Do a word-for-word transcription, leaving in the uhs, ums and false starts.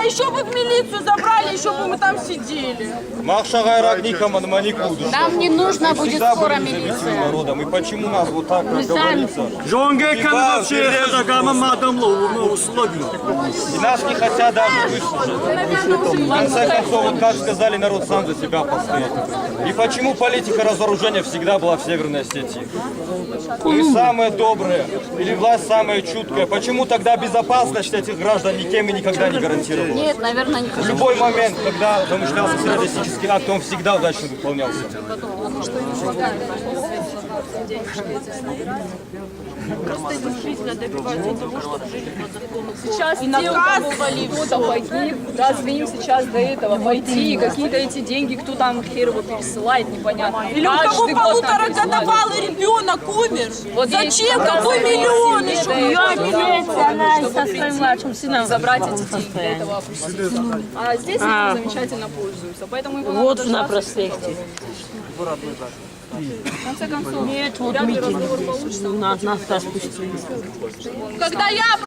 еще бы в милицию забрали, еще бы мы там сидели. Нам не нужно будет скоро милиция. Народом. И почему нас вот так, как говорится, и нас не хотят даже выслушать. В конце концов, вот как сказали, народ сам за себя постоит. И почему политика разоружения всегда была в Северной Осетии? Мы самые добрые, или власть самая чуткая. Почему тогда безопасность этих граждан никем и никогда не гарантировалась? Нет, наверное, не В любой момент, когда замышлялся террористический акт, он всегда удачно выполнялся. Просто действительно добиваться того, чтобы жили по закону. Сейчас И те, у кого наказывали кто-то погиб, разве им сейчас до этого пойти, какие-то эти деньги, кто там хер его пересылает, непонятно. Или у кого Каждый год нам полуторагодовалый ребенок умер? Вот Зачем? есть Какой разные миллион семьи, еще? да, Ее чтобы милиция, она чтобы со прийти своим младшим сыном забрать в эти деньги, состоянии. этого опуститься. А здесь А. этим замечательно пользуются, поэтому его Вот надо на дождаться. проспекте. В конце концов, Нет, вот вряд ли митинг. разговор получится. Нас, нас спустили. Когда я